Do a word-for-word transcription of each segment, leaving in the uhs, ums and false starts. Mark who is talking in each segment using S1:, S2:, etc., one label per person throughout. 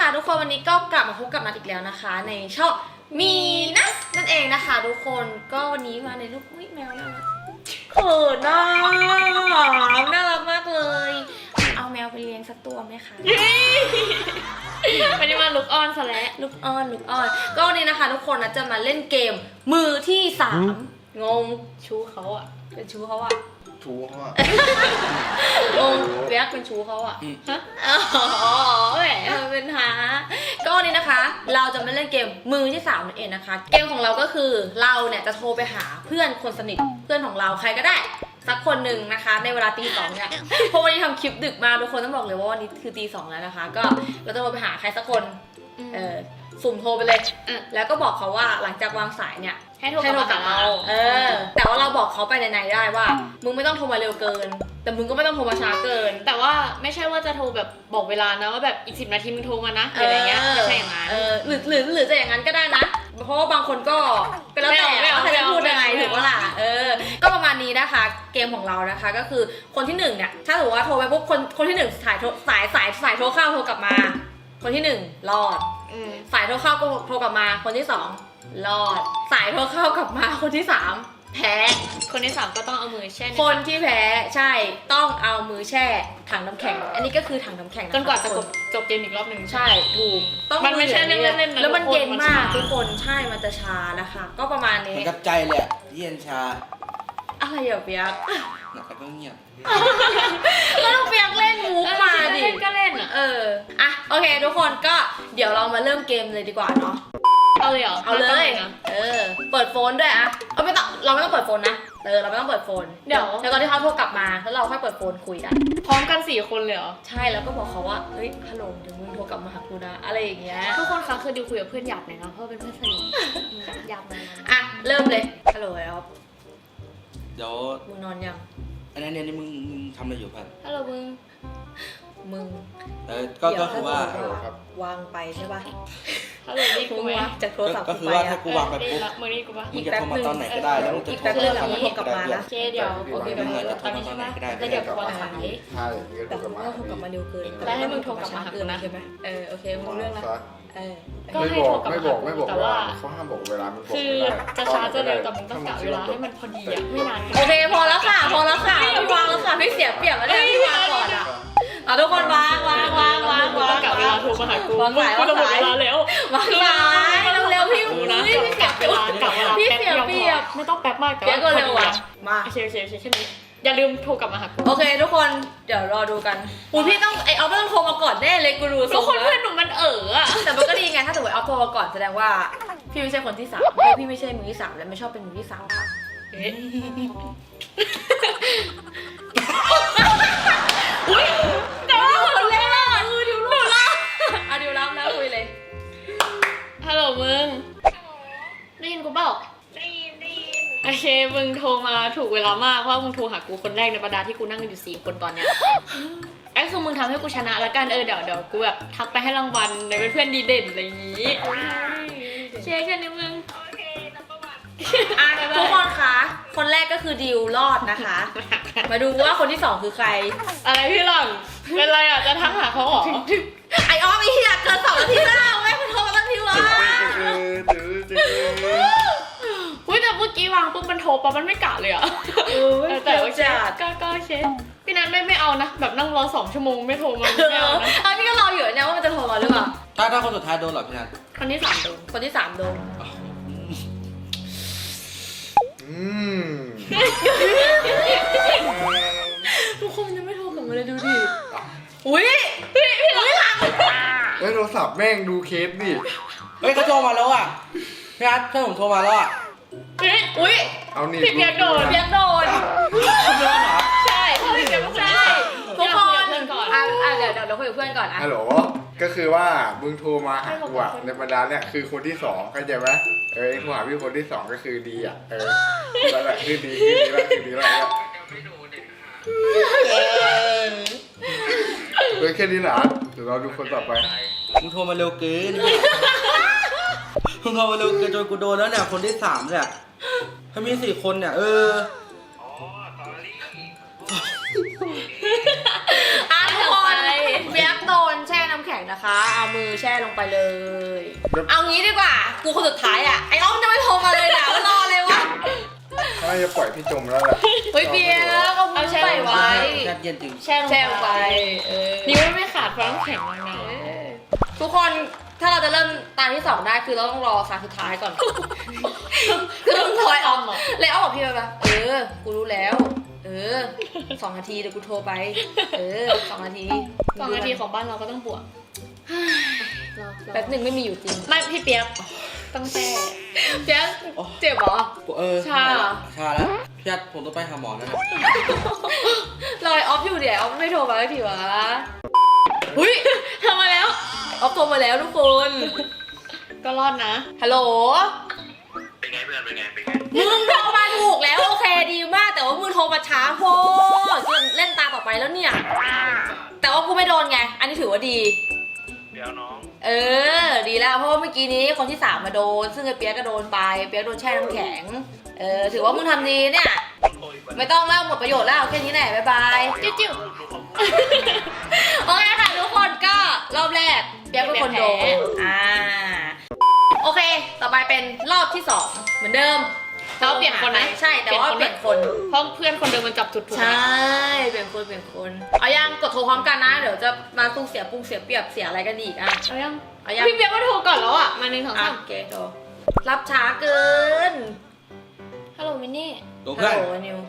S1: ค่ะทุกคนวันนี้ก็กลับมาพบกับนัทอีกแล้วนะคะในช่องมีนัทนั่นเองนะคะทุกคนก็วันนี้มาในรูปอุ้ยแมวน่ารักเขินน่าน่ารักมากเลยเอาแมวไปเลี้ยงสักตัวไหมคะ
S2: วันนี้มาลุกออนซะแล้ว
S1: ลูกอ้อนลูกอ้อนก็วันนี้นะคะทุกคนนะจะมาเล่นเกมมือที่สามงงชูเขาอะเป็นชูเขาอะ
S3: ชูเขาอะ
S1: งงเรียกเป็นชูเขาอะฮะอ๋อแหมเป็นหาก็วันนี้นะคะเราจะมาเล่นเกมมือที่สามนั่นเองนะคะเกมของเราก็คือเราเนี่ยจะโทรไปหาเพื่อนคนสนิทเพื่อนของเราใครก็ได้สักคนหนึ่งนะคะในเวลาตีสองเนี่ยเพราะวันนี้ทำคลิปดึกมาทุกคนต้องบอกเลยว่าวันนี้คือตีสองแล้วนะคะก็เราจะโทรไปหาใครสักคนเออสุ่มโทรไปเลยแล้วก็บอกเขาว่าหลังจากวางสายเนี่ย
S2: ให้โทรกลับมาเรา
S1: เออแต่ว่าเราบอกเขาไปในๆได้ว่ามึงไม่ต้องโทรมาเร็วเกินแต่มึงก็ไม่ต้องโทรมาช้าเกิน
S2: แต่ว่าไม่ใช่ว่าจะโทรแบบบอกเวลานะว่าแบบอีกสิบนาทีมึงโทรมานะอะไรเงี้ยไม่ใช่อย่างนั้น
S1: เออหรือหรือหรือจะอย่างนั้นก็ได้นะเพราะว่าบางคนก็เป็นแล้วแต่ว่าใครจะพูดยังไงถูกปะล่ะเออก็ประมาณนี้นะคะเกมของเรานะคะก็คือคนที่หนึ่งเนี่ยถ้าถือว่าโทรไปปุ๊บคนคนที่หนึ่งสายสายสายสายโทรเข้าโทรกลับมาคนที่หนึ่งรอดสายโทรเข้าก็โทรกลับมาคนที่สองรอดสายโทรเข้ากลับมาคนที่สามแพ้
S2: คนที่สามก็ต้องเอามือแช่
S1: คนที่แพ้ใช่ต้องเอามือแช่ถังน้ำแข็งอันนี้ก็คือถังน้ำแข็ง
S2: จนกว่าจะจบเกมอีกรอบหนึ่ง
S1: ใช่ถูก
S2: ต้องมันไม่ใช่เล่นเล่น
S1: แล้วมันเย็นมากทุกคนใช่มันจะชานะคะก็ประมาณนี้
S3: มันกับใจเลยอะเย็นชา
S1: อะไรอย่าเปียก
S3: แล้วก็เงียบ
S1: แล้วเราเปียกเล่นมุกมาดิ
S2: ก็เล่นอ่ะ
S1: เอออ่ะโอเคทุกคนก็เดี๋ยวเรามาเริ่มเกมเลยดีกว่าเนาะ
S2: เอาเลยเหรอ
S1: เอาเลยเออเปิดโฟนด้วยอะเอาไม่ต้องเราไม่ต้องเปิดโฟนนะเออเราไม่ต้องเปิดโฟน
S2: เดี๋ยว
S1: แล้วตอนที่เขาโทรกลับมาแล้วเราค่อยเปิดโฟนคุยกัน
S2: พร้อมกันสี่คนเลยเหรอ
S1: ใช่แล้วก็บอกเขาว่าเฮ้ยฮัลโหลเดี๋ยวมึงโทรกลับมาหากูนะอะไรอย่างเงี้ย
S2: ทุกคนคะคือดิวคุยกับเพื่อนหยาบหน่อยนะเพราะเป็นเพื่อนสนิทหยาบเลย
S1: อ่ะเริ่มเลยฮัลโหลแล้ว
S3: เดี๋ยว
S1: มึงนอนยัง
S3: อันนั้นเนี่ยนี่มึงมึงทำอะไรอยู่พัน
S1: ฮัลโหลมึงมึง
S3: เออก็ก็คือว่า
S1: ครับวางไปใช่ป่ะ
S2: ฮัลโหลนี่กูไหม
S1: จากโทรศัพท์
S3: ก็คือว่าถ้ากูวางไปปุ๊บ
S2: มึงนี่กูป่ะ
S3: มึงจะโทรมาตอนไหนก็ได้แล้วมึงจะโทร
S1: กลับมา
S2: เจเดี๋ยวโอเคแบบนี้
S3: ตอนนี้ใช่ไหม
S2: แล้วเดี๋ยวกูวางสาย
S1: แต่มึงก็โทรกลับมาเร็วเกิน
S2: แล้วให้มึงโทรกลับมาหากูนะ
S1: ใช่ไหมเออโอเคมึงเรื่องละเออ
S2: ก็ให้โทรกลับมาหากูแต่ว่า
S4: เขาห้ามบอกเวลามันบอก
S2: คือจะช้าจะเร็วแต่มึงต้องกะเวลาให้มันพอดีอ่ะไม่นาน
S1: โอเคพอแล้วค่ะพอแล้วค่ะวางแล้วค่ะไม่เสียเปรียบแล้วเนี่ยที่วางก่อนอ่ะเอาทุกคนวางวางวางวางวาง
S2: กะเวลาโทรมาหากู
S1: วางสายวางสาย
S2: แล้ว
S1: วางสายเร็วๆพี่
S2: นะ
S1: พี่เสียเวลากะเวลาพี่เสียเปรียบ
S2: ไม่ต้องแป๊บมากแต่
S1: ว่าเร็วอ่ะมา
S2: โอเคโอเคโอเคแค่นี้อย่าลืมโทรกลับมาหากู
S1: โอเคทุกคนเดี๋ยวรอดูกันอูพี่ต้องไอเอาไม่ต้องโทรมาก่อนแน่เลยกูรู้
S2: ทุกคนเพื่อนหนูมันเอ๋ออะ
S1: แต่มันก็ดีไงถ้าสมมติเอาโทรมาก่อนแสดงว่าพี่ไม่ใช่คนที่สามเพราะพี่ไม่ใช่มือที่สามและไม่ชอบเป็นมือที่สามค่ะอุ้ยแต่ว่าคนแรกมือดิวลูกละเอาดิวรับแล้วคุยเลย
S2: ฮัลโหลมึงได้ยินกูเปล่า
S5: ได้ยินได้ยิน
S2: โอเคมึงโทรมาถูกเวลามากเพราะมึงโทรหากูคนแรกในบรรดาที่กูนั่งอยู่สี่คนตอนเนี้ยไอ้คือมึงทำให้กูชนะแล้วกันเออเดี๋ยวเดี๋ยวกูแบบทักไปให้รางวัลในเป็นเพื่อนดีเด่นอะไรอย่างงี้เช็คแค่นี้มึง
S5: โอเคนับประวัติ
S1: อ่ะทุกคนคะคนแรกก็คือดิวรอดนะคะมาดูว่าคนที่สองคือใคร
S2: อะไรพี่หลังเป็นไรอ่ะจะทักหาเขาหรอ
S1: ไอออฟไอเหี้ยเกินสองนาทีแล้วไม่คุณโทรมาตั้งทีวะ
S2: อุ้ยแต่เมื่อกี้วางปุ๊บมันโทรปั๊บมันไม่กะเลยอ่ะแต่ว่าก็ก็โอเคพี่นัทไม่ไม่เอานะแบบนั่งรอสองชั่วโมงไม่โทรมาไม่เอานะ
S1: อันนี้ก็รออยู่เนี่ยว่ามันจะโทรมาหรือเปล่า
S3: ถ้าถ้าคนสุดท้ายโดนหรอพี่นัท
S2: คนที่สามโดน
S1: คนที่สามโดน
S4: อืม
S1: ทุกคนยังไม่โทรกลับมาเลยดูดิอุ้ยพี่พี่หลัง
S4: เฮ้ยโทรศัพท์แม่งดูเคสดิ
S3: เฮ้ยเขาโทรมาแล้วอ่ะพี่นัทเพื่อนผมโทรมาแล้วอ่ะ
S1: อุ้ย
S4: เอานี่
S2: พี่เปียกโดน
S1: เปียกโดน
S3: โดนเหรอ
S1: ใช่พี่เปียกใช่ทุกคนอ่ะอ่ะเดี๋ยวเดี๋ยวเราคุยกับเพื่อนก่อนอ่ะ
S4: ฮัลโหลก็คือว่ามึงโทรมาหากูอ่ะในบรรดาเนี่ยคือคนที่สองเข้าใจไหมเออโทรหาพี่คนที่สองก็คือดีอ่ะเออแล้วแหละคือดีคือดีแล้วคือดีแล้วเฮ้ยแค่นี้เหรอเดี๋ยวเราดูคนต่อไป
S3: มึงโทรมาเร็วเกินมึงโทรมาเร็วเกินจนกูโดนแล้วเนี่ยคนที่สามเนี่ยถ้ามีสี่คนเนี่ยเออ
S1: อ่ะทุกคนเปียกโดนแช่น้ำแข็ง
S4: ถ้าจะปล่อยพี่จมแล้วแหละ
S1: เฮ้ยเปียกเอามือใส่ไว้
S3: แช่เย็นจริง
S1: แช่ลง
S2: แช่ลง
S1: ไป
S2: ไป
S1: เออ
S2: นิ้วไม่ขาดเพราะน้ำแข็งแล้วนะ
S1: ทุกคนถ้าเราจะเริ่มตาที่สองได้คือเราต้องรอครั้งสุดท้ายก่อน คือต้องคอยออมเลยอ้อมบอกพี่ไปปะเออ กูรู้แล้ว เออสองนาทีเดี๋ยวกูโทรไป เออสองนาที
S2: สองนาทีของบ้านเราก็ต้องบวก
S1: แป๊บหนึ่งไม่มีอยู่จริง
S2: ไม่พี่เปียกต้องแช่
S1: เจ๊เจ็บเหรอ
S3: เออ
S1: ชาเหรอ
S3: ชาแล้วพี่ยัดผมต้องไปหาหมอแล้วนะ
S1: รอยออฟอยู่เดี๋ยวออฟไม่โทรมาสักทีวะหุ้ย
S2: ทำมาแล้ว
S1: ออฟโทรมาแล้วทุกคน
S2: ก็รอดนะ
S1: ฮัลโหล
S5: เป็นไงเพื่อนเป็นไงเป็นไง
S1: มึงโทรมาถูกแล้วโอเคดีมาก แต่ว่ามึงโทรมาช้าโพดจนเล่นตาต่อไปแล้วเนี่ย แต่ว่ากูไม่โดนไง อันนี้ถือว่าดี
S5: เดี๋ยวน้อง
S1: เออ ดีแล้วเพราะว่าเมื่อกี้นี้คนที่สามมาโดน ซึ่งไอ้เปียกก็โดนไปเปียกโดนแช่น้ำแข็ง เออถือว่ามึงทำดีเนี่ย
S5: โอ้ย
S1: ไม่ต้องเล่าหมดประโยชน์แล้วแค่นี้แหละบ๊ายบาย
S2: จิ้วจิ้ว
S1: โอเคค่ะทุกคนก็รอบแรกเปียกเป็นคนโดน
S2: แพ้
S1: อ่าโอเค ต่อไปเป็นรอบที่สองเหมือนเดิม
S2: เราเปลี่ยนคนไหม
S1: ใช่แต่ว่าเปลี่ยนคน
S2: เพราะเพื่อนคนเดิมมันจับจุดถูกไหม
S1: ใช่เปลี่ยนคนเปลี่ยนคนเอายังกดโทรพร้อมกันนะเดี๋ยวจะมาตุ้งเสียปุ้งเสียเปรียบเสียอะไรกันอีกอ่ะ
S2: เอายัง
S1: เอายัง
S2: พี่เปียกมาโทรก่อนแล้วอ่ะ มาหนึ่งสอง
S1: อ่ะ
S2: สาม
S1: โอเคโทรรับช้าเกิน
S2: ฮัลโหลมินนี่
S3: โดน
S1: ฮั
S3: เพื่
S1: ล
S3: อน
S1: โหลนิว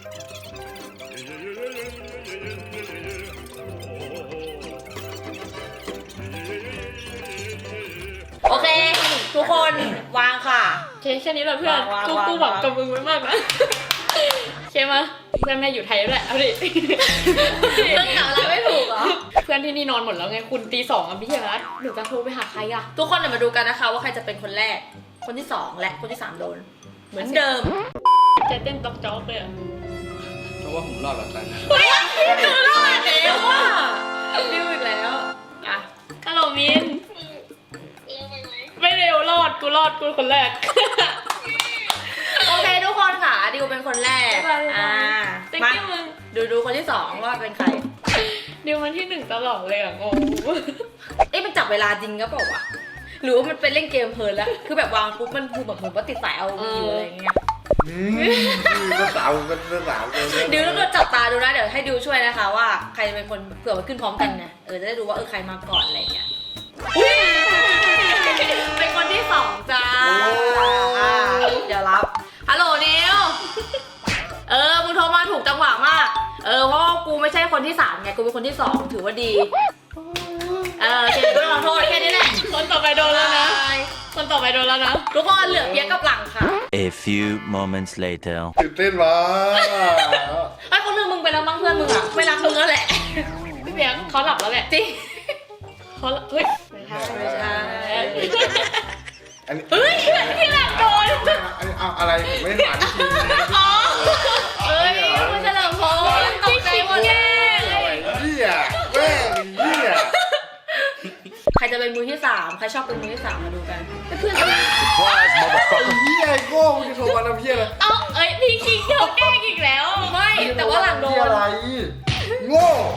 S1: โอเค ทุกคนวางค่ะ
S2: โอเคแค่นี้แหละเพื่อน
S1: วาง
S2: กู
S1: วาง
S2: กูหวัง
S1: วาง
S2: กับมึงไว้มากนะใช่ไหมเพื่อนแม่อยู่ไทยด้วยเอาดิ
S1: เรื่องหาอะไรไม่ถูกเหรอ
S2: เพื่อนที่นี่นอนหมดแล้วไงคุณตีสองอ่ะพี่เฮียรัตหนูจะโทรไปหาใครอ่ะ
S1: ทุกคนเดี๋ยวมาดูกันนะคะว่าใครจะเป็นคนแรก คนที่สองและคนที่สามโดน เหมือนเดิม
S2: ใจเต้นต๊อกจ๊อกเลยอ่ะ
S3: เพราะว่าผมรอดแล้วกัน
S1: เฮ้ยดูรอดแล้วอ่ะดิวอีกแล้วอ่ะ
S2: ฮัลโหลมิน
S5: เร็วไปไหม
S2: ไม่เร็วรอดกูรอดกูคนแรก
S1: โอเคทุกคนค่ะดิวเป็นคนแรก
S2: บ๊ายบาย
S1: อ่า
S2: thank
S1: มา
S2: you มึง
S1: ดูดูคนที่สองว่าเป็นใคร
S2: ดิวมันที่หนึ่งตลอดเลยอ่ะงง
S1: เอ๊ะมันจับเวลาจริงก็เปล่าวะหรือว่ามันเป็นเล่นเกมเพลินแล้ว คือแบบวางปุ๊บมันคือแบบเหมือนว่าติดสายเอาวีอยู่อะไรอย่างเงี้ย
S4: อืมก็สาวก็สาวเลย
S1: ดิวต้องโดนจับตาดูนะเดี๋ยวให้ดิวช่วยนะคะว่าใครเป็นคนเผื่อมันขึ้นพร้อมกันไงเออจะได้ดูว่าเออใครมาก่อนอะไรอย่างเงี้ยอุ๊ยเป็นคนที่สองจ้าอ่าเดี๋ยวรับฮัลโหลนิวเออมึงโทรมาถูกจังหวะมากเออเพราะว่ากูไม่ใช่คนที่สามไงกูเป็นคนที่สองถือว่าดีเออโอเคก็ขอโทษแค่นี้แหละ
S2: คนต่อไปโดนแล้วนะ คนต่อไปโดนแล้วนะ
S1: ทุกคนเหลือเปียกกับหลังค่ะ
S6: A few moments later.
S4: ตื่นเต้นวะ
S1: ไอ้คนนึงมึงไปแล้วมั้งเพื่อนมึงอะไม่รักมึงแล้วแหละ
S2: พี่เปียกเขาหลับแล้วแหละ
S1: จริง
S2: เขาหลับเฮ้ยไม่ใช่
S1: ไม่ใช่
S4: อันนี้
S1: เฮ้ยพี่หลังโดน
S4: อันนี้เอาอะไรผมไม่ได้หาที่จริง
S1: อ๋อเอ้ยมันเฉลิมพลตกใจหมดเลย
S4: เหี้ยแม่งเหี้ย
S1: ใครจะเป็นมือที่สามใครชอบเป็นมือที่สามมาดูกันเพื่อน
S6: Surprise,
S4: ไอ้
S6: motherfucker.
S4: เหี้ยไอ้โก้มึงจะโทรมาทำเหี้ยอะไร
S2: เอ้าเอ้ยพี่คิงเธอแกล้งอีกแล้ว
S1: ไม่แต่ว่าหลังโด
S4: เหี้ย
S1: น
S4: อะไรโง่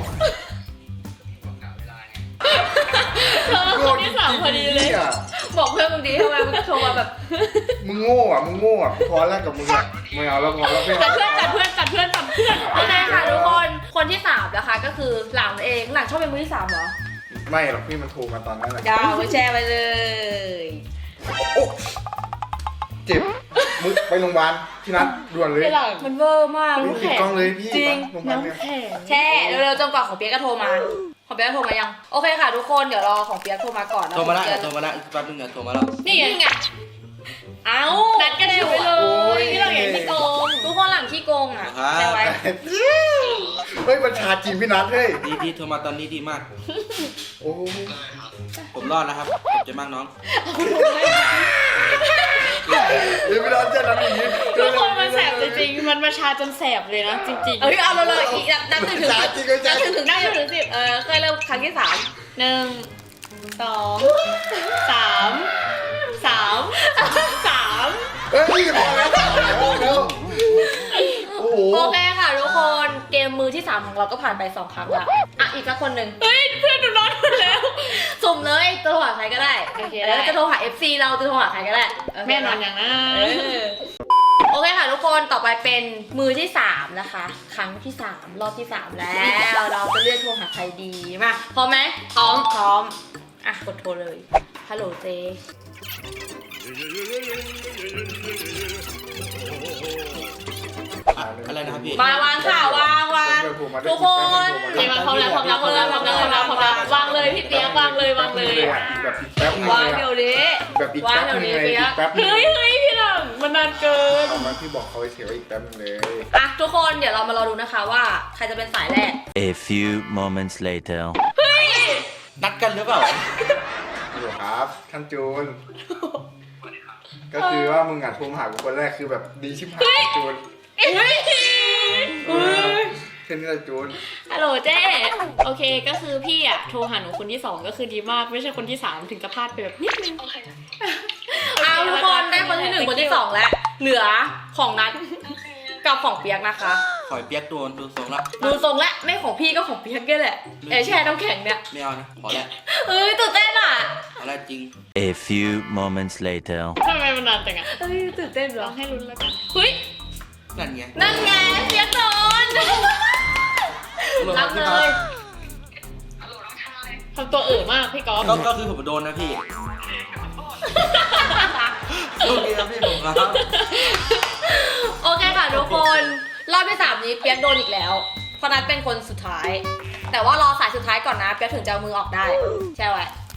S2: เธอคนที่สามพอดีเลย
S4: หี้
S1: บอกเพื่อนมึงดีทำไมมึงโทรมาแบบ
S4: มึงโง่อ่ะมึงโง่อ่ะกูพอแรกกับมึงอ่ะไม่เอาแล้วพอแล้วไม่
S2: จัด
S4: เอา
S2: เพื่อนจัดเพื่อนจัดเพื่อนจัดเพื่อน
S1: โอเคค่ะทุกคนคนที่สามนะคะก็คือหลังเองหลังชอบเป็นมือที่สามเหรอ
S4: ไม่หรอกพี่มันโทรมาตอนนั้นแหละ
S1: ดาวไปแชร์ไปเลย
S4: โอ้เจ็บมึงไปโรงพยาบาลพี่นัทด่วนเลย
S2: พี่หลัง
S1: มันเวอร์มาก
S4: พี่ติดกล้องเลยพี่
S1: จริง
S4: ไปโรงพยาบาลเนี่ย
S2: น้ำแข็ง
S1: แช่เร็วๆจนกว่าของเปียกก็โทรมา ของเปียกโทรมายัง โอเคค่ะทุกคนเดี๋ยวรอของเปียกโทรมาก่อนนะ
S3: โทรมาแล้ว
S1: ของเปี๊ยก
S3: โทรมาแล้วอีกแป๊บนึงเนี่ยโทรมาแล้ว
S2: นี่ไง
S1: นี่ไงเอ้า
S2: นัดกันอยู่ไปเลยพี่หลังอย่างที่โกง
S1: ทุกคนหลังขี้โกงอ่ะ
S3: ครับ
S1: แช่ไว้
S4: เฮ้ยบัญชาจีนพี่นัทเฮ้ย
S3: ดีดีโทรมาตอนนี้ดีมาก
S4: โอ้
S3: ผมรอดนะครับขอบใจมากน้อง
S4: เดี๋ยวพี่นัทเจ๊นัทอย่างนี้
S2: ทุกคนมันแสบจริงๆมันมาชาจนแสบเลยนะจริงๆ
S1: เอ้ยเอาเลยเลยอีกนับถึงถึง
S4: บัญชาจริงก็
S1: นั
S4: ใช่
S1: บถึงถึงได้ถึงสิบเออเคยเริ่มครั้งที่สาม
S2: หนึ่งสองสามสามสาม
S4: เฮ้ยพอแล้วพอแล้วโอ้โห
S1: โอเคค่ะทุกคนเกมมือที่สามของเราก็ผ่านไปสองครั้งละอ่ะอีกสักคนหนึ่ง
S2: เฮ้ยเพื่อนหนูนอนหมดแล้ว
S1: สุ่มเลยจะโทรหาใครก็ได้
S2: โอเค
S1: แล้ว
S2: ได้
S1: จะโทรหา เอฟ ซี เราจะโทรหาใครก็ได้โเค
S2: แม่นอนอย่างนั้น
S1: เออโอเคค่ะทุกคนต่อไปเป็นมือที่สามนะคะ ครั้งที่สามรอบที่สามแล้ว เราจะเลือกโทรหาใครดีมาพร้อมไหมพร้อมพร้อมอ่ะกดโทรเลยฮัลโหลเจ
S3: อะไรนะครับพี่
S1: มาวางค่ะวางวางทุกคน
S2: เจมาพร้อมแล้วพร้อมแล้วพร้อมแล้วพร้อมแล้วพร้อมแล้วพร้อมแล้ววางเลยพี่เปียกวางเลยวางเลย
S4: แบบอีกแป๊บนึง
S1: วาง
S4: เลย
S1: เดี๋ยว
S4: อะ
S1: นี้
S4: แบบอีก
S1: วาง
S4: แป๊บ
S1: เดี๋ยว
S4: นึง
S1: นี้
S4: เลย
S1: เปีย
S4: อี
S1: ก
S4: กแป๊บนึง
S2: เฮ้ยเฮ้ยพี่หลังมันนานเกิน
S4: ตอนนั้นพี่บอกเขาเฉยๆอีกแป๊บนึงเลย
S1: อ่ะทุกคนเดี๋ยวเรามารอดูนะคะว่าใครจะเป็นสายแรก
S6: A few moments later.
S3: นัดกันหรือเปล่า
S4: อยู่ครับท่านจูน ก็คือว่ามึงอ่ะโทรมาหากูคนแรกคือแบบดีชิบหายจูน
S2: เฮ้ย
S4: เออแค่นี้แหละจูน
S2: ฮัลโหลเจ้โอเคก็คือพี่อะโทรหาหนูคนที่สองก็คือดีมากไม่ใช่คนที่สามถึงจะพลาดไปแบบนิดนึง
S1: เอาทุกคนได้คนที่หนึ่งคนที่สองแล้ว เหลือของนัดกับของเปียกนะคะ
S3: ขอยเปียกโดนดูทรงละ
S1: ดูทรงและไม่ของพี่ก็ของเปียกแค่แหละไอแช่น้ำแข็งเนี่ย
S3: ไม่เอานะพอแล้ว
S1: เอ้ยตื่นเต้นอ่ะ
S3: พอแล้วจริง
S6: A few moments later.
S2: ทำไมมันนานจังอะ
S1: เอ้ยตื่นเต้นเหร
S2: ล
S1: อ
S2: องให้ลุ้นแล้วกันเฮ้ย
S3: นั่นไง
S1: นั่นไงเปียกโดนรับเลย
S2: ทำตัวเอ๋อมากพี่ก๊อฟ
S3: ก็ก็คือผมโดนนะพี่โอเคครับพี่ผมครับ
S1: โอเคค่ะทุกคนรอบที่สามนี้เปียกโดนอีกแล้วเพราะนัดเป็นคนสุดท้าย แต่ว่ารอสายสุดท้ายก่อนนะเปียกถึงจะเอามือออกได้ใช่ไหม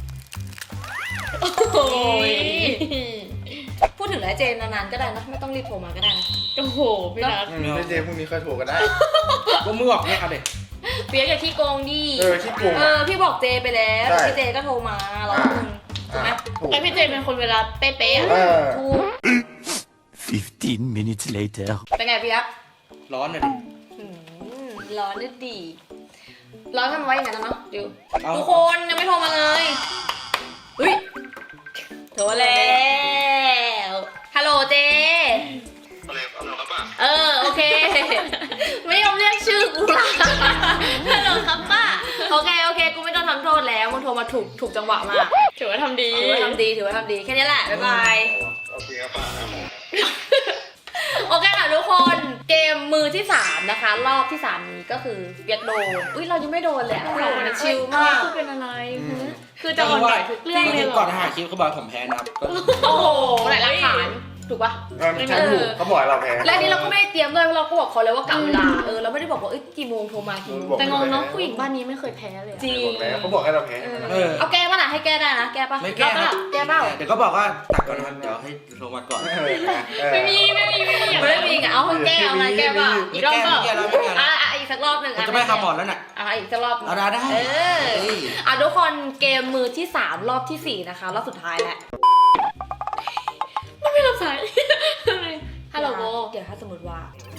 S1: โอ้ยพูดถึงแล้วเจนนานๆก็ได้นะไม่ต้องรีบโทรมาก็ได้นะ
S2: โอ้โหพี่นัท
S4: อืมไม่เจพรุ่งนี้ค่อยโทรก็ได้
S3: ก็มือออกเนี่ยเอาเด็ก
S1: เปียกอย่าขี้โกงดิ
S4: เออที่โกง
S1: เอ
S4: อะ
S1: อพี่บอกเจไปแล้ว
S4: ใช่
S1: พี่เจก็โทรมารอบนึงถูกไหม
S4: อ่ะถูก
S2: แต่พี่เจเป็นคนเวลาเป๊ะๆอะ
S4: เออ
S1: ถูก
S6: Fifteen minutes later.
S1: เป็นไงเปียก
S3: ร้อนหน่อยดิ
S1: หืมร้อนนิดดีร้อนทำไว้อย่างนั้นนะเนาะดิว
S3: เอา
S1: ทุกคนยังไม่โทรมาเลยอุ้ยโทรแล้วฮัลโหลเจ
S5: อะไรอะไรครับป้า
S1: เออโอเค ไม่ยอมเรียกชื่อกูละฮัลโหลครับป้าโอเคโอเคกูไม่ต้องทำโทษแล้วมึงโทรมาถูกถูกจังหวะมาก
S2: ถือว่าทำดี
S1: ถือว่าทำดีถือว่าทำดีแค่นี้แหละบ๊ายบาย
S5: โอเคครับป้าครับผม
S1: โอเคค่ะทุกคนเกมมือที่สามนะคะ รอบที่สามนี้ก็คือเปียกโดนอุ้ยเรายังไม่โดนเลยอะเรามันชิลมาก
S2: คือเป็นอะไรคือจะอ่อนไหวทุกเรื่องเลยเหร
S3: ก่อน
S2: อ
S3: หาคลิปเขาบอกผมแพ้นะครับก็
S1: โอ้โหไหนหลักฐานถูกปะ
S4: เออมันใช่ถูกเขาบอกให้เราแพ้
S1: และนี่เราก็ไม่ได้เตรียมด้วยเพราะเราก็บอกเขาเลยว่ากะเวลาเออเราไม่ได้บอกว่าเอ้ยกี่โมงโทรมากี่โมง
S2: แต่งงเนาะผู้หญิงบ้านนี้ไม่เคยแพ้เลยอะ
S1: จริง
S4: บอกแล้วเขาบอกให้เราแพ้
S1: เออเอาแก้ป่ะน่ะให้แก้ได้นะแก้ป่ะ
S3: ไม่แก้ครับ
S1: แก้เปล่า
S3: เดี๋ยวก็บอกว่าตักก่อนนะครับเดี๋ยวให้โทรมาก่อน
S4: เออเออ
S2: ไม่มีไม่มีไม่มีอย่าง
S1: ไม่
S2: นั้น
S1: ได้มีไงเอาให้แก้เอาไงแก้เปล่า
S3: ไม่
S1: อีกรอบ
S3: แก้
S1: เปล่า
S3: ไม่แก้แล้วไม่แก้แล้ว
S1: อ่ะอ่ะอีกสักรอบหนึ่ง
S3: ผมจะไม่ทำหมอนแล้วน่ะ
S1: อ่ะอีกสักรอบหนึ่ง
S3: เอาได้ได้
S1: เออ
S3: เฮ้ย
S1: อ่ะทุกคนเกมมือที่สามรอบที่สี่นะคะรอบสุดท้ายแล้ว
S2: มันไม่รับสายฮัลโหลโบ
S1: เดี๋ยวถ้าสมมติว่า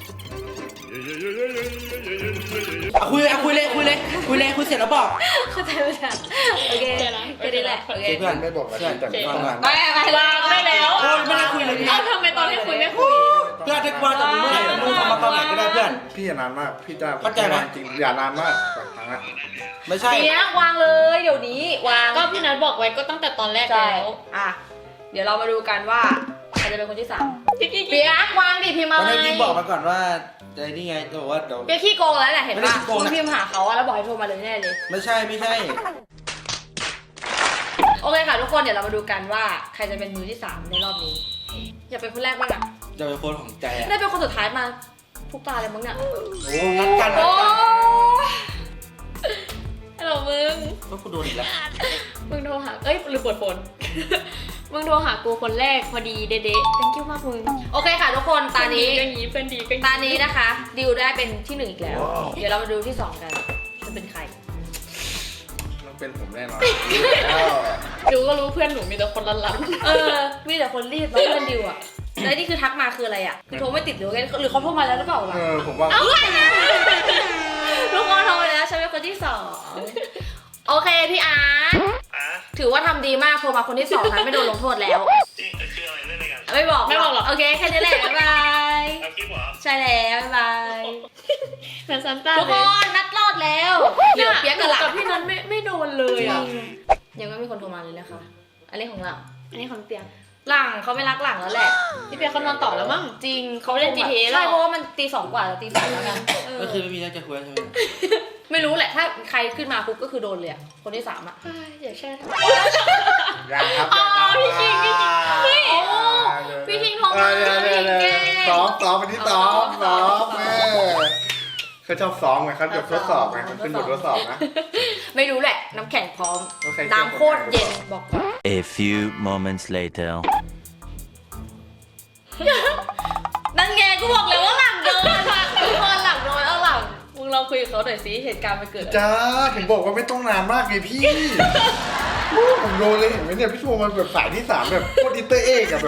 S3: เอาคุยเลยเอาคุยเลยคุยเลยคุยเลยคุยเสร็จแล้วบอก
S1: เข้าใจไหมจ๊ะโอเคแค่นี้แหละโอเค
S3: เพื่อน
S4: ไม่บอกนะแต่ไม่ฟังนะ
S1: ไปไป
S2: วางได้แล้ว
S3: โอ้ยไม่ได้คุยเลยพี่
S2: เอ้าทำไมตอนที่คุยไม่คุย
S3: เพื่อนจะกวาดจากมือไหนมือทำมาตอนไหนก็ได้เพื่อน
S4: พี่อย่านานมากพี่จ้า
S3: เข้าใจไหม
S4: จริงอย่านานมากแบบครั้งละ
S3: ไม่ใช่
S1: เปียกวางเลยเดี๋ยวนี้วาง
S2: ก็พี่นัทบอกไว้ก็ตั้งแต่ตอนแรก
S1: ใช่
S2: แล้ว
S1: อ่ะเดี๋ยวเรามาดูกันว่าใครจะเป็นคนที่สาม
S2: กิ๊กกิ๊ก
S1: เปียกวางดิพิมพ์มา
S3: ตอน
S1: เล
S3: นี้
S1: ย
S3: พี่บอกมาก่อนว่าไอ้นี่ไงจะบอกว่าเดี๋ยว
S1: เปียกขี้โกงแล้วแหละเห็น
S3: ไม่ได้
S1: ปะ
S3: ขี้โกงนะ
S1: คุณพิมพ์หาเขาอะแล้วบอกให้โทรมาเลยแน่เลย
S3: ไม่ใช่ไม่ใช่
S1: โอเคค่ะทุกคนเดี๋ยวเรามาดูกันว่าใครจะเป็นมือที่สามในรอบนี้ อยากเป็นคนแรกบ้างอะ
S3: จะเป็นคนของใจอะ
S1: ได้เป็นคนสุดท้ายมาทุกตาเลยมั้งเนี่ย
S3: โอ้นัดกันนั
S1: โอ้
S3: ดกัน
S2: ฮัลโหลมึง
S3: ก็กูโดนอีกแล้ว
S2: มึงโทรหา เอ้ยหรือปวดฝน มึงโทรหากูคนแรกพอดีเด๊ะๆ thank you มากมึง
S1: โอเคค่ะทุกคนตานี้
S2: เพื่อดีก็งี้เพื่อนดีก็งี้
S1: ตานี้นะคะ ดิวได้เป็นที่หนึ่งอีกแล้ว เดี๋ยวเรามาดูที่สองกันจะเป็นใคร
S4: ต้องเป็นผมแน่นอน
S2: ดูก็รู้เพื่อนหนูมีแต่คนรันรัน
S1: เออ มีแต่คนรีบแล้วเพื่อนดิวอะแล้วนี่คือทักมาคืออะไรอะคือโทรไม่ติดหรือไงหรือเขาโทรมาแล้วหรือเปล่า
S4: เอ
S1: ล่ะ
S4: อผมว่า
S1: ทุกคนโทรมาแล้วฉันเป็นคนที่สองโอเคพี่อาร์ต
S5: อ่ะ
S1: ถือว่าทำดีมากโทรมาคนที่สองนะไม่โดนลงโทษแล้ว
S5: จริงคืออะไรเล่นอะไรกัน
S1: ไม่บอก
S2: ไม่บอกหรอก
S1: โอเคแค่นี้แหละบ๊ายบาย
S5: เอาคลิปเหรอ
S1: ใช่แล้วบ๊ายบาย
S2: เหมือนซันต้า
S1: ทุก
S2: เล
S1: ค
S2: ย
S1: นนัดรอดแล้วเหลือเปียกกับหลัง
S2: กับพี่นัทไม่ไม่โดนเลยอ่ะ
S1: ยังไม่มีคนโทรมาเลยนะคะ อันนี้ของหลัง
S2: อันนี้ของเปียก
S1: หลังเขาไม่รักหลังแล้วแหละ
S2: พี่เปียกเขานอนต่อแล้วมั้ง
S1: จริง
S2: เขาเล่น จี ที เอ
S1: ใช่
S2: แล้ว
S1: เพราะว่ามันตีสองกว่าจะตีสามแล้วกันเออ
S3: ก็คือไม่มีเรื่องจะคุยใช่ไหม
S1: ไม่รู้แหละถ้าใครขึ้นมาปุ๊บก็คือโดนเลยอะคนที่สามอะ
S2: เฮ้ยอย่าแช่ท
S4: ยังครับ
S2: อ๋อพี่คิงพี่คิงเฮ้ย
S1: โอ้พี่คิงโทรมา
S4: เดี๋ยว
S1: พี่
S4: เดี๋ยว
S1: คิง
S4: เดี๋ยว
S1: เก่ง
S4: ซ้อมซ้อมวันที่ซ้อม
S1: ซ้
S4: ซ้
S1: อ
S4: อ
S1: ม
S4: มแม่เขาชอบซ้อมไงเขาแบบทดสอบไงเขาขึ้นบททดสอบนะ
S1: ไม่รู้แหละน้ำแข็งพร้อม
S4: โอเค
S1: น้ำโคตรเย็นบอกก่อน
S6: A few moments later.
S1: นั่นไงกูบอกเลยว่าหลังโดนอะทุกคนหลังโดนเอาหลังมึงลองคุยกับเขาหน่อยสิเหตุการณ์มันเกิดอะไร
S4: จ้าผมบอกว่าไม่ต้องนานมากไงพี่ผมโดนเลยเห็นไหมเนี่ยพี่โทรมันแบบสายที่สามแบบโคตรอินเตอร์เอกอะแบบ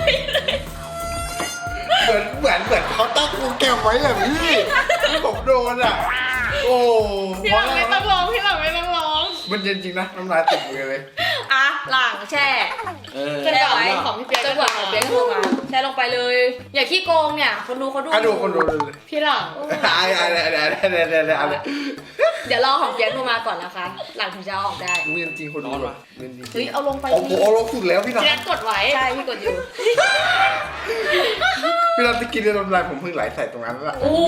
S4: เหมือนเหมือนเหมือนเขาตั้งโปรแกรมไว้อะพี่ที่ผมโดนอะโอ้
S2: พี่หลังไม่ต้องร้องพี่หลังไม่ต้องร้อง
S4: มันเย็นจริงนะน้ำลายติดมือเลย
S1: อ่ะหลังแช่
S3: เออ
S2: จนกว่า
S1: แช่ไว้
S2: ของพี่เปียก
S1: จนกว่าของเปียกโทรมาแช่ลงไปเลย อย่าขี้โกงเนี่ยคนดูเขาดู
S4: อ่ะดูคนดูเลย
S2: พี่หลัง
S4: อะไรอะไรอะไรอะไรอะไรอะไร
S1: เดี๋ยวรอของเปียกโทรมาก่อนนะคะ หลังถึงจะเอาออกได้
S4: เรียนจริงคนดูแบบเรียนจริง
S1: เฮ้ยเอาลงไป
S4: โอ้โห
S1: สิ
S4: เอาลงสุดแล้วพี่นัท
S2: พี่นัทกดไว้
S1: ใช่พี่กดอยู่
S4: พี่นัทจะกินเรื่องน้ำลายผมเพิ่งไหลใส่ตรงนั้นแล้ว
S1: โอ้โห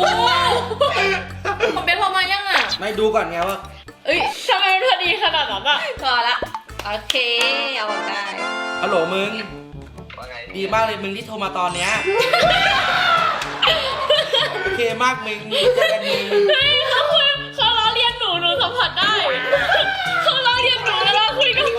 S1: ของเปียกโทรมายังอ่ะ
S3: ไม่ดูก่อนไงว่า
S2: เอ้ยทำไมมันพอดีขนาดนั้นอ่ะ
S1: พอละโอเคเอาออกได้
S3: ฮัลโหลมึง
S5: ว่าไง
S3: ดีมากเลยมึงที่โทรมาตอนเนี้ยโอเคมากมึงเจอกันมึง
S2: เฮ้ยเขาคุยเขาล้อเลียนหนูหนูสัมผัสได้เขาล้อเลียนหนูแล้วเราคุยกัน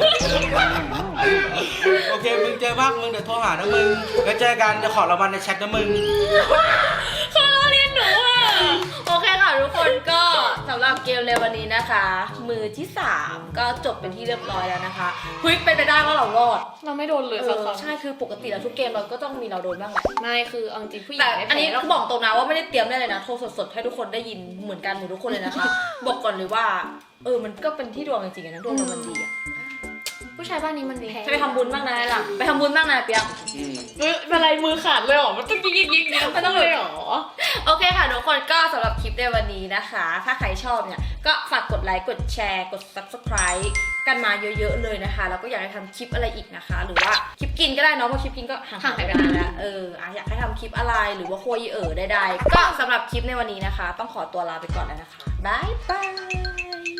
S3: โอเคมึงเจอมากมึงเดี๋ยวโทรหานะมึงแล้วเจอกันเดี๋ยวขอรางวัลในแชทนะมึง
S2: เขาล้อเลียนหนูอ่ะ
S1: โอเคค่ะทุกคนก็สำหรับเกมในวันนี้นะคะ มือที่สามก็จบเป็นที่เรียบร้อยแล้วนะคะเฮ้ยเป็นไปได้ว่าเรารอด
S2: เราไม่โดนเลย
S1: เอ
S2: สัก
S1: อ
S2: ครั้ง
S1: ใช่คือปกติแล้วทุกเกมเราก็ต้องมีเราโดนบ้างแหละ
S2: ไม่คือเอาจริงผู้หญิ
S1: แต่
S2: งไม่
S1: อันนี้
S2: แพ้หรอก
S1: บอกตรงนะว่าไม่ได้เตรียมได้เลยนะโทรสดๆให้ทุกคนได้ยินเหมือนกันหมดทุกคนเลยนะคะ บอกก่อนเลยว่าเออมันก็เป็นที่ดวงจริงๆอะนะดวงเรามันดีอะ
S2: ผู้ชายบ้านนี้มันดี
S1: จะไปทำบุญบ้างนะหลังไปทำบุญบ้างนะเปียก
S3: อืม
S2: เอ้ยเป็นไรมือขาดเลยเหรอมันต้องยิงยิงยิงยิง
S1: มันต้องเลย
S2: เหรอ
S1: โอเคค่ะทุกคนก็สำหรับคลิปในวันนี้นะคะ ถ้าใครชอบเนี่ยก็ฝากกดไลค์กดแชร์กด ซับสไครบ์ กันมาเยอะๆเลยนะคะแล้วก็อยากให้ทำคลิปอะไรอีกนะคะ หรือว่าคลิปกินก็ได้เนาะเพราะคลิปกินก็ห่างหายไปนานแล้วเอออ่ะอยากให้ทำคลิปอะไรหรือว่าคุยเออได้ๆก็สำหรับคลิปในวันนี้นะคะ ต้องขอตัวลาไปก่อนแล้วนะคะบ๊ายบาย